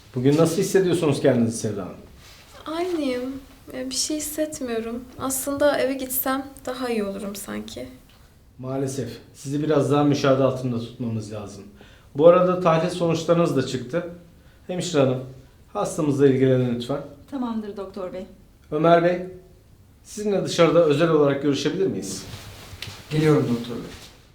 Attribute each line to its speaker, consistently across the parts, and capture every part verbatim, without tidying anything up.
Speaker 1: Bugün nasıl hissediyorsunuz kendinizi Sevda Hanım?
Speaker 2: Aynıyım. Ya bir şey hissetmiyorum. Aslında eve gitsem daha iyi olurum sanki.
Speaker 1: Maalesef. Sizi biraz daha müşahede altında tutmamız lazım. Bu arada tahlil sonuçlarınız da çıktı. Hemşire Hanım, hastamızla ilgilenin lütfen.
Speaker 3: Tamamdır doktor bey.
Speaker 1: Ömer Bey, sizinle dışarıda özel olarak görüşebilir miyiz?
Speaker 4: Geliyorum doktor bey.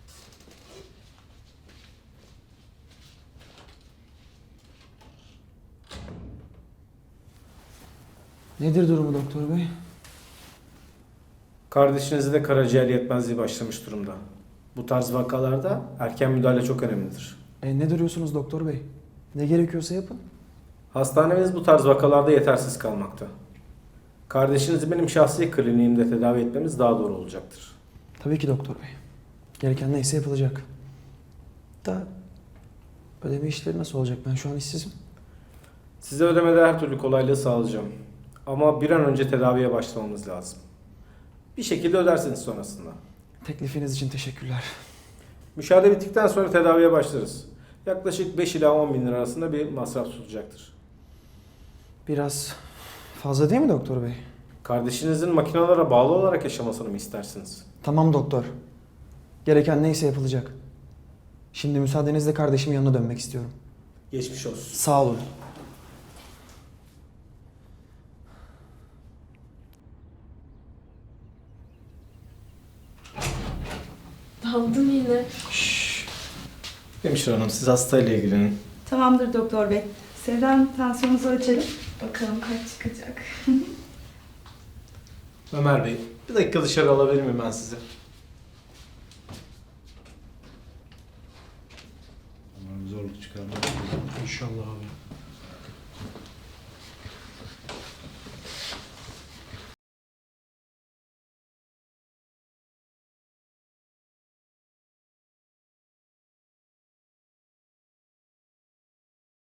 Speaker 4: Nedir durumu doktor bey?
Speaker 1: Kardeşinizde karaciğer yetmezliği başlamış durumda. Bu tarz vakalarda erken müdahale çok önemlidir.
Speaker 4: E, ne duruyorsunuz doktor bey? Ne gerekiyorsa yapın.
Speaker 1: Hastanemiz bu tarz vakalarda yetersiz kalmakta. Kardeşinizi benim şahsi kliniğimde tedavi etmemiz daha doğru olacaktır.
Speaker 4: Tabii ki doktor bey. Gereken neyse yapılacak. Da ödeme işleri nasıl olacak? Ben şu an işsizim.
Speaker 1: Size ödemede her türlü kolaylığı sağlayacağım. Ama bir an önce tedaviye başlamamız lazım. Bir şekilde ödersiniz sonrasında.
Speaker 4: Teklifiniz için teşekkürler.
Speaker 1: Müşahede bittikten sonra tedaviye başlarız. Yaklaşık beş ila on bin lira arasında bir masraf tutacaktır.
Speaker 4: Biraz fazla değil mi doktor bey?
Speaker 1: Kardeşinizin makinalara bağlı olarak yaşamasını mı istersiniz?
Speaker 4: Tamam doktor. Gereken neyse yapılacak. Şimdi müsaadenizle kardeşimin yanına dönmek istiyorum.
Speaker 1: Geçmiş olsun.
Speaker 4: Sağ olun.
Speaker 2: Daldım yine.
Speaker 1: Hemşire Hanım, siz hastayla ilgilenin.
Speaker 3: Tamamdır doktor bey. Sevda'nın tansiyonunuzu ölçelim.
Speaker 2: Bakalım kaç çıkacak.
Speaker 1: Ömer Bey, bir dakika dışarı alabilir miyim ben sizi?
Speaker 5: Umarım zorluk çıkarmaz.
Speaker 4: İnşallah abi.